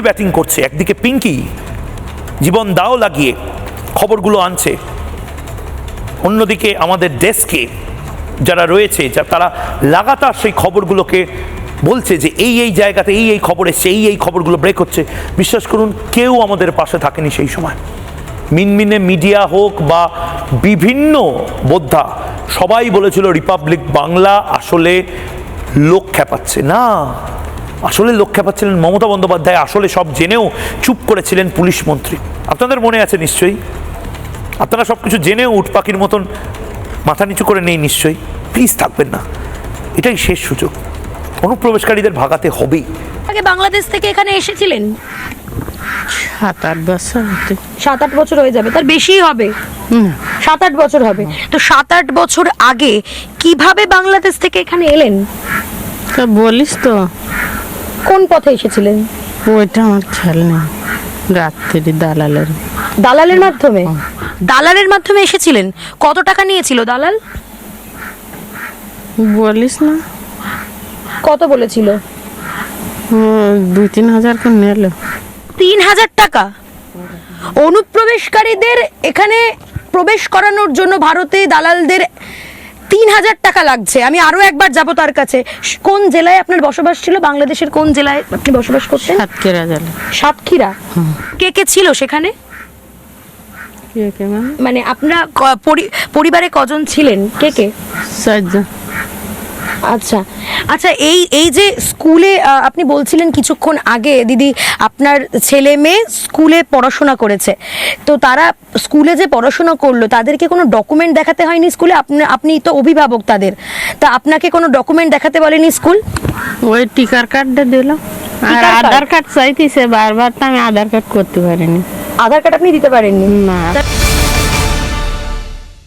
Batting করছে, একদিকে পিঙ্কি জীবন দাও লাগিয়ে খবরগুলো আনছে, অন্যদিকে আমাদের ডেস্কে যারা রয়েছে তারা লাগাতার সেই খবরগুলোকে বলছে যে এই এই জায়গাতে এই এই খবর এসছে, এই এই খবরগুলো ব্রেক হচ্ছে। বিশ্বাস করুন কেউ আমাদের পাশে থাকেনি সেই সময়। মিনমিনে মিডিয়া হোক বা বিভিন্ন বোদ্ধা সবাই বলেছিল রিপাবলিক বাংলা আসলে লোক খেপাচ্ছে। না, আসলে লোক খেপাচ্ছিলেন মমতা বন্দ্যোপাধ্যায়, আসলে সব জেনেও চুপ করেছিলেন পুলিশ মন্ত্রী। আপনাদের মনে আছে নিশ্চয়ই, আপনারা সব কিছু জেনেও উট পাখির মতন মাথা নিচু করে নেই নিশ্চয়ই। প্লিজ থাকবেন না, এটাই শেষ সুযোগ, অনুপ্রবেশকারীদের ভাগাতে হবেই। আগে বাংলাদেশ থেকে এখানে এসেছিলেন 7-8 বছর। 7-8 বছর হয়ে যাবে, তার বেশি হবে, 7-8 বছর হবে। তো 7-8 বছর আগে কিভাবে বাংলাদেশ থেকে এখানে এলেন? তা বলিস তো, কোন পথে এসেছিলেন? ওইটা আমার খেয়াল নেই। রাত্রি দালালের মাধ্যমে? দালালের মাধ্যমে এসেছিলেন। কত টাকা নিয়েছিল দালাল? বলিস না, কত বলেছিল? 2-3 হাজার করে নিল। 3,000 টাকা? অনুপ্রবেশকারীদের এখানে প্রবেশ করানোর জন্য ভারতে দালালদের 3,000 টাকা লাগছে। আমি আরো একবার যাব তার কাছে। কোন জেলায় আপনার বসবাস ছিল? বাংলাদেশের কোন জেলায় আপনি বসবাস করতেন? সাতক্ষীরা জেলা। সাতক্ষীরা? কে কে ছিল সেখানে? কে মানে আপনারা পরিবারে কজন ছিলেন? কে কে? 4 জন। আচ্ছা আচ্ছা, এই যে স্কুলে আপনি বলছিলেন কিছুক্ষণ আগে দিদি আপনার ছেলে মেয়ে স্কুলে পড়াশোনা করেছে, তো তারা স্কুলে যে পড়াশোনা করলো তাদেরকে কোনো ডকুমেন্ট দেখাতে হয়নি স্কুলে? আপনি তো অভিভাবক তাদের, তা আপনাকে কোনো ডকুমেন্ট দেখাতে বলেনি স্কুল? ওই টিকার কার্ডটা দিল, আর আধার কার্ড চাইতেছে বারবার, তো আমি আধার কার্ড করতে পারিনি। আধার কার্ড আপনি দিতে পারেননি? না।